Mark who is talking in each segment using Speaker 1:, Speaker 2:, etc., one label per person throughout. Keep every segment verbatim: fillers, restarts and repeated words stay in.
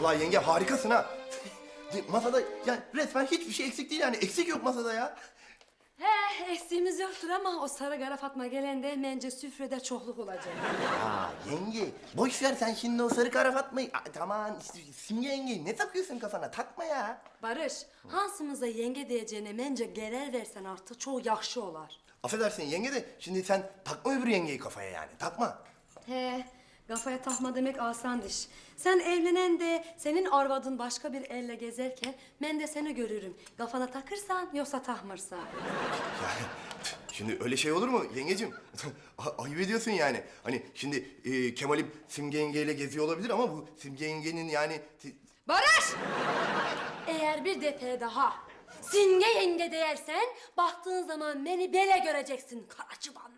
Speaker 1: Vallahi yenge harikasın ha. Masada yani resmen hiçbir şey eksik değil yani. Eksik yok masada ya.
Speaker 2: He, eksiğimiz yoktur ama o sarı kara Fatma gelende bence süfrede çokluk olacak.
Speaker 1: Aa yenge boş ver sen şimdi o sarı kara Fatma'yı. Aa, tamam işte Simge yenge ne takıyorsun kafana, takma ya.
Speaker 2: Barış, Hansımıza yenge diyeceğine bence gelir versen artık çok yakşı olar.
Speaker 1: Affedersin yenge de şimdi sen takma öbür yengeyi kafaya yani, takma.
Speaker 2: He, kafaya takma demek asan iş. Sen evlenen de senin arvadın başka bir elle gezerken ben de seni görürüm. Kafana takırsan yoksa takmırsan.
Speaker 1: Yani şimdi öyle şey olur mu yengeciğim? A- Ayıp ediyorsun yani. Hani şimdi e, Kemal'im Simge yengeyle geziyor olabilir ama bu Simge yengenin yani... ti-
Speaker 2: Barış! Eğer bir defa daha Simge yenge dersen baktığın zaman beni bele göreceksin kara çıbanla.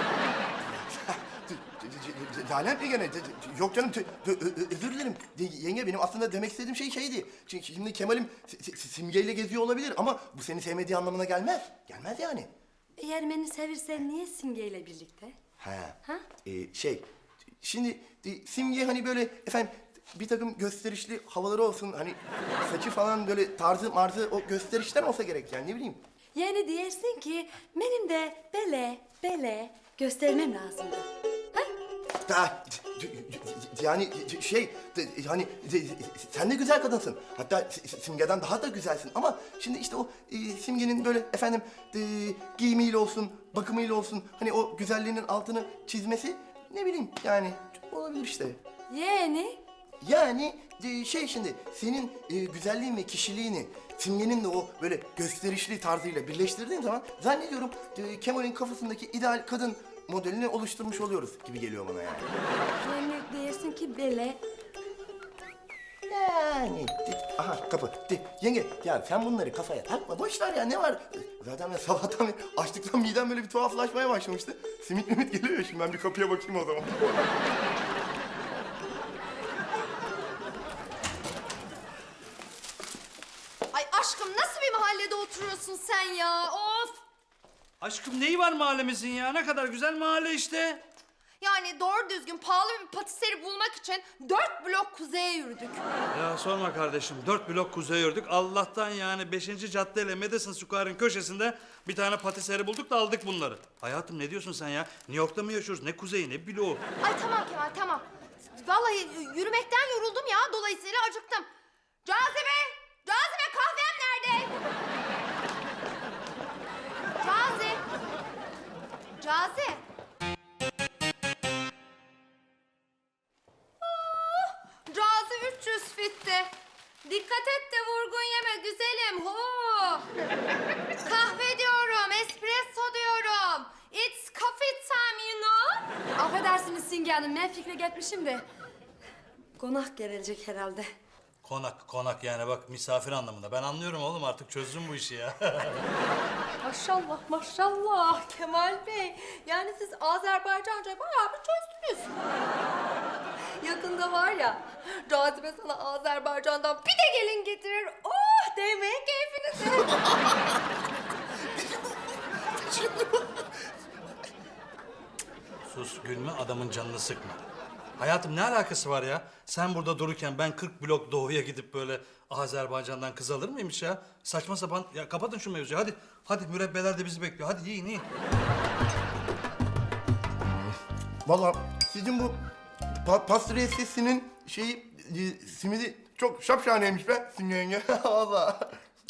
Speaker 1: Lanet mi gene? Yok canım, tü- tü- ö- ö- özür dilerim. Yenge benim aslında demek istediğim şey şeydi. Çünkü şimdi Kemal'im Si- Si- Simge'yle geziyor olabilir ama bu seni sevmediği anlamına gelmez. Gelmez yani.
Speaker 2: Eğer beni sevirsen niye Simge ile birlikte?
Speaker 1: Ha.
Speaker 2: Ha?
Speaker 1: Ee, şey, şimdi e, Simge hani böyle efendim bir takım gösterişli havaları olsun. Hani saçı falan böyle tarzı marzı o gösterişten olsa gerek yani, ne bileyim.
Speaker 2: Yani diyersin ki benim de bele bele göstermem lazımdı. Ha?
Speaker 1: Ha, yani şey hani sen de güzel kadınsın. Hatta Simge'den daha da güzelsin ama şimdi işte o e, Simge'nin böyle efendim e, giyimiyle olsun, bakımıyla olsun hani o güzelliğinin altını çizmesi ne bileyim yani olabilir işte.
Speaker 2: Yani?
Speaker 1: Yani e, şey şimdi senin e, güzelliğin ve kişiliğini Simge'nin de o böyle gösterişli tarzıyla birleştirdiğin zaman zannediyorum e, Kemal'in kafasındaki ideal kadın modelini oluşturmuş oluyoruz gibi geliyor bana yani.
Speaker 2: Yani diyersin ki bele.
Speaker 1: Yani de- aha kapı. De, yenge ya sen bunları kafaya takma, boş ver ya, ne var? Zaten ben sabahtan beri açlıktan midem böyle bir tuhaflaşmaya başlamıştı. Simit mimit geliyor ya, şimdi ben bir kapıya bakayım o zaman.
Speaker 3: Ay aşkım nasıl bir mahallede oturuyorsun sen ya? Of!
Speaker 4: Aşkım neyi var mahallemizin ya? Ne kadar güzel mahalle işte.
Speaker 3: Yani doğru düzgün pahalı bir patiseri bulmak için dört blok kuzeye yürüdük.
Speaker 4: Ya sorma kardeşim. Dört blok kuzeye yürüdük. Allah'tan yani beşinci cadde ile Madison Square'ın köşesinde bir tane patiseri bulduk da aldık bunları. Hayatım ne diyorsun sen ya? New York'ta mı yaşıyoruz? Ne kuzeyi ne bloğu?
Speaker 3: Ay tamam Kemal tamam. Vallahi yürümekten yoruldum ya, dolayısıyla acıktım. Cazibe! Cazibe kahvem nerede? Cazi! Cazi! Oh, Cazi üç yüz fitti. Dikkat et de vurgun yeme güzelim. Ho! Kahve diyorum, espresso diyorum. It's coffee time you know.
Speaker 2: Affedersiniz Simge Hanım, ben fikre gitmişim de. Konak gelecek herhalde.
Speaker 4: Konak, konak yani bak misafir anlamında. Ben anlıyorum oğlum, artık çözdüm bu işi ya.
Speaker 3: Maşallah maşallah Kemal Bey. Yani siz Azerbaycanca bayağı bir çözdünüz. Yakında var ya, Cazibe sana Azerbaycan'dan bir de gelin getirir. Oh değmeyin keyfinize.
Speaker 4: Sus, gülme, adamın canını sıkma. Hayatım ne alakası var ya? Sen burada dururken ben kırk blok doğuya gidip böyle Azerbaycan'dan kız alır mıymış ya? Saçma sapan. Ya kapatın şu mevzuyu hadi. Hadi mürebbeler de bizi bekliyor. Hadi yiyin yiyin.
Speaker 1: Vallahi sizin bu pa pastriyesinin şeyi e, simidi çok şapşaneymiş be Simge yenge. Vallahi.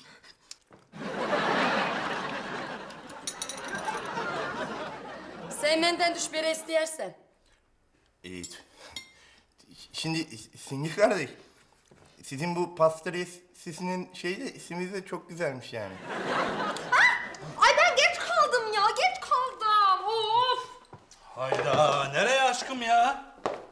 Speaker 2: Sen benden düş bir isteyersen.
Speaker 1: Evet. Şimdi Simge kardeş, sizin bu pastriyesinin şeyi de ismi de çok güzelmiş yani.
Speaker 3: Ay ben geç kaldım ya, geç kaldım. Of!
Speaker 4: Hayda, nereye aşkım ya?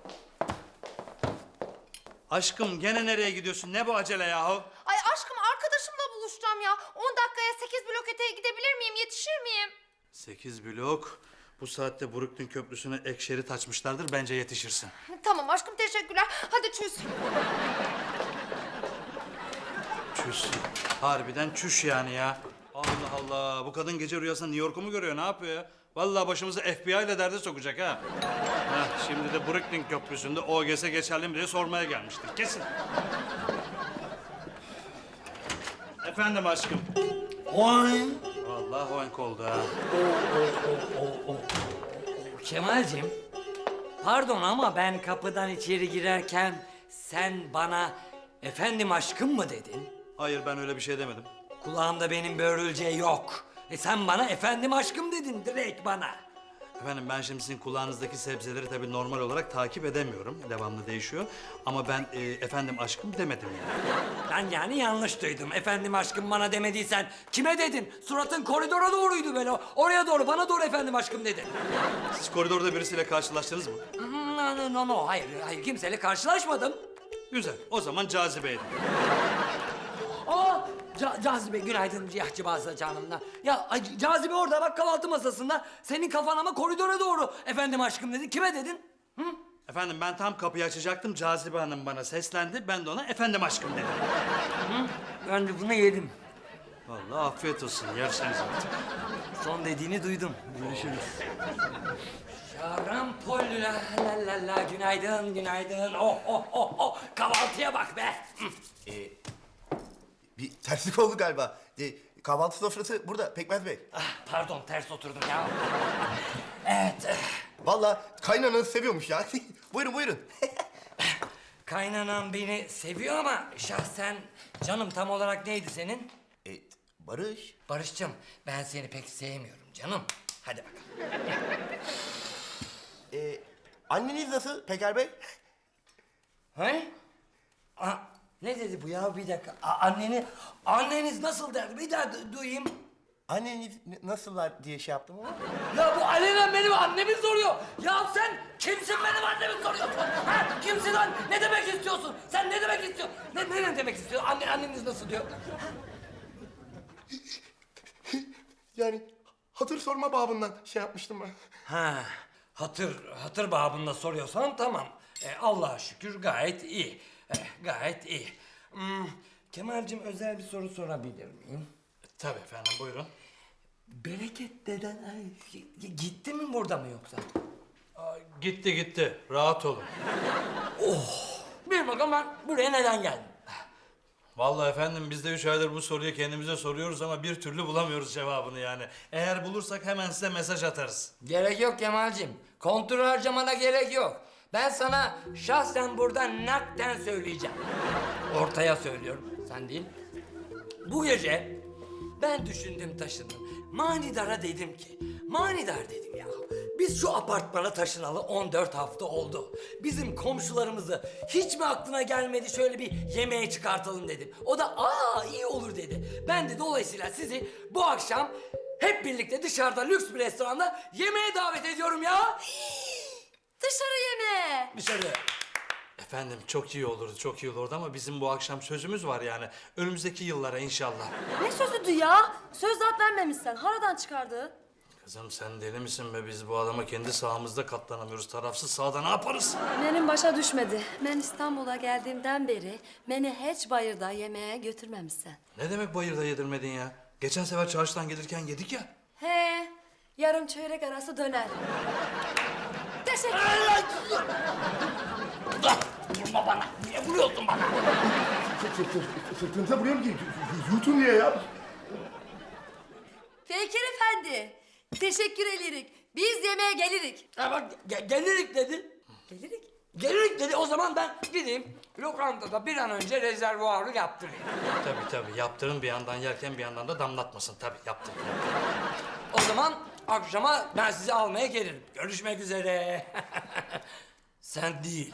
Speaker 4: Aşkım gene nereye gidiyorsun? Ne bu acele yahu?
Speaker 3: Ay aşkım arkadaşımla buluşacağım ya. On dakikaya sekiz blok öteye gidebilir miyim, yetişir miyim?
Speaker 4: Sekiz blok. Bu saatte Brooklyn Köprüsü'ne ek şerit açmışlardır. Bence yetişirsin.
Speaker 3: Tamam aşkım teşekkürler. Hadi çüz.
Speaker 4: Çüş. Harbiden çüş yani ya. Allah Allah. Bu kadın gece rüyasında New York'u mu görüyor? Ne yapıyor ya? Vallahi başımızı F B I ile derde sokacak ha. Heh, şimdi de Brooklyn Köprüsü'nde O G S geçerli mi diye sormaya gelmiştir. Kesin. Efendim aşkım.
Speaker 5: Oy.
Speaker 4: Vallahi hoenk oldu ha.
Speaker 5: Kemal'cim, pardon ama ben kapıdan içeri girerken sen bana efendim aşkım mı dedin?
Speaker 4: Hayır, ben öyle bir şey demedim.
Speaker 5: Kulağımda benim börülce yok. E sen bana efendim aşkım dedin direkt bana.
Speaker 4: Efendim ben şimdi sizin kulağınızdaki sebzeleri tabii normal olarak takip edemiyorum. Devamlı değişiyor. Ama ben e, efendim aşkım demedim yani.
Speaker 5: Ben yani yanlış duydum. Efendim aşkım bana demediysen kime dedin? Suratın koridora doğruydu böyle. Oraya doğru, bana doğru efendim aşkım dedin.
Speaker 4: Siz koridorda birisiyle karşılaştınız mı?
Speaker 5: Hmm, No, no, no, no. Hayır, hayır. Kimseyle karşılaşmadım.
Speaker 4: Güzel. O zaman cazibeydi.
Speaker 5: Aa, Ca- Cazibe günaydın Cihacı Bazı canımla. Ya ay, Cazibe orada bak kahvaltı masasında. Senin kafan ama koridora doğru. Efendim aşkım dedi. Kime dedin? Hı?
Speaker 4: Efendim ben tam kapıyı açacaktım. Cazibe Hanım bana seslendi. Ben de ona efendim aşkım dedim.
Speaker 5: Ben de bunu yedim.
Speaker 4: Vallahi afiyet olsun. Yerseniz artık.
Speaker 5: Son dediğini duydum. Görüşürüz. Şarampol la la la la günaydın günaydın. Oh oh oh oh kahvaltıya bak be. Hı.
Speaker 1: Ee, bir terslik oldu galiba. Ee, kahvaltı sofrası burada Pekmez Bey.
Speaker 5: Ah, pardon ters oturdum ya. Evet.
Speaker 1: Vallahi kaynananızı seviyormuş ya. Buyurun buyurun.
Speaker 5: Kaynanan beni seviyor ama şahsen canım tam olarak neydi senin?
Speaker 1: Ee, Barış.
Speaker 5: Barış'cığım ben seni pek sevmiyorum canım. Hadi bakalım.
Speaker 1: Ee, anneniz nasıl Peker Bey?
Speaker 5: He? Aa, ne dedi bu ya bir dakika. A- anneni, anneniz nasıl derdi bir daha du- duyayım.
Speaker 1: Anneniz n- nasıllar diye şey yaptım ama.
Speaker 5: Ya bu alenen benim annemi soruyor. Ya sen kimsin benim annemi soruyorsun? Ha? Kimsin lan? Ne demek istiyorsun? Sen ne demek istiyorsun? Ne, ne, ne demek istiyor? Anne, anneniz nasıl diyor?
Speaker 1: Yani hatır sorma babından şey yapmıştım ben.
Speaker 5: Ha, hatır, hatır babında soruyorsan tamam. E, Allah'a şükür gayet iyi. E, gayet iyi. Hmm, Kemal'cim özel bir soru sorabilir miyim?
Speaker 4: Tabii efendim buyurun.
Speaker 5: Bereket deden ay, g- gitti mi burada mı yoksa?
Speaker 4: Aa, gitti gitti. Rahat olun.
Speaker 5: Bir bakalım ben buraya neden geldim?
Speaker 4: Vallahi efendim biz de üç aydır bu soruyu kendimize soruyoruz ama bir türlü bulamıyoruz cevabını yani. Eğer bulursak hemen size mesaj atarız.
Speaker 5: Gerek yok Kemal'cim. Kontrol harcamana gerek yok. Ben sana şahsen burada nakden söyleyeceğim. Ortaya söylüyorum, sen değil. Bu gece ben düşündüm taşındım. Manidara dedim ki, manidar dedim ya. Biz şu apartmana taşınalı on dört hafta oldu. Bizim komşularımızı hiç mi aklına gelmedi şöyle bir yemeğe çıkartalım dedim. O da aa iyi olur dedi. Ben de dolayısıyla sizi bu akşam hep birlikte dışarıda lüks bir restoranda yemeğe davet ediyorum ya.
Speaker 2: Dışarı yemeğe.
Speaker 5: Dışarı.
Speaker 4: Efendim çok iyi olurdu, çok iyi olurdu ama bizim bu akşam sözümüz var yani. Önümüzdeki yıllara inşallah.
Speaker 2: Ne sözüdü ya? Söz zat vermemişsen. Haradan çıkardı.
Speaker 4: Kızım sen deli misin be? Biz bu adama kendi sahamızda katlanamıyoruz. Tarafsız sahada ne yaparız?
Speaker 2: Benim başa düşmedi. Ben İstanbul'a geldiğimden beri beni hiç bayırda yemeğe götürmemişsin.
Speaker 4: Ne demek bayırda yedirmedin ya? Geçen sefer çarşıdan gelirken yedik ya.
Speaker 2: He, yarım çeyrek arası döner. Teşekkür
Speaker 5: Vurma bana. Niye vuruyorsun bana?
Speaker 1: Sırtınıza vuruyorum ki yutun diye ya.
Speaker 2: Fikir Efendi, teşekkür ederik. Biz yemeğe gelirik.
Speaker 5: Ha bak ge- gelirik dedi.
Speaker 2: Gelirik?
Speaker 5: Gelirik dedi. O zaman ben gideyim lokantada bir an önce rezervuarı yaptırayım.
Speaker 4: Tabii tabii yaptırın bir yandan yerken bir yandan da damlatmasın. Tabii yaptırın.
Speaker 5: O zaman akşama ben sizi almaya gelirim. Görüşmek üzere. Sen değil.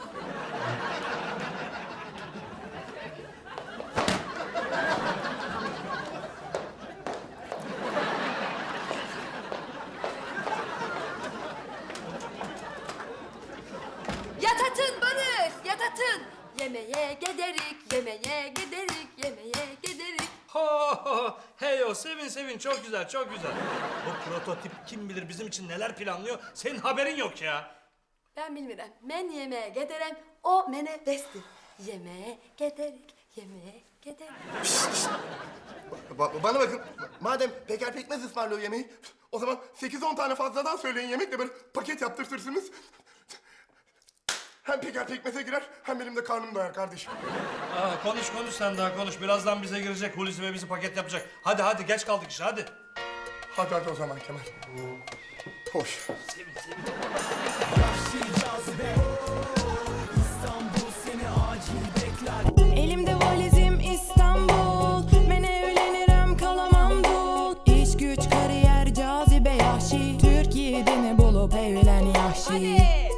Speaker 2: Yatatın Barış, yatatın. Yemeğe giderik, yemeğe giderik, yemeğe giderik.
Speaker 4: Ho ho hey o sevin sevin çok güzel çok güzel. Bu prototip kim bilir bizim için neler planlıyor senin haberin yok ya.
Speaker 2: Ben bilmirəm. Ben yemeğe giderim, o mene bestir. Yemeğe giderik, yemeğe Gidelim.
Speaker 1: Ba- bana bakın, madem Peker Pekmez ısmarlıyor yemeği, o zaman sekiz on tane fazladan söyleyin yemekle böyle paket yaptırtırsınız. Hem Peker Pekmez'e girer, hem benim de karnım doyar kardeşim.
Speaker 4: Aa, konuş konuş sen daha konuş. Birazdan bize girecek Hulusi ve bizi paket yapacak. Hadi hadi geç kaldık işe hadi.
Speaker 1: Hadi hadi o zaman Kemal. Hoş.
Speaker 6: Elimde valizim İstanbul. Ben evlenirim kalamam dul. İş güç kariyer cazibe yahşi. Türkiye'de ne bulup evlen yahşi.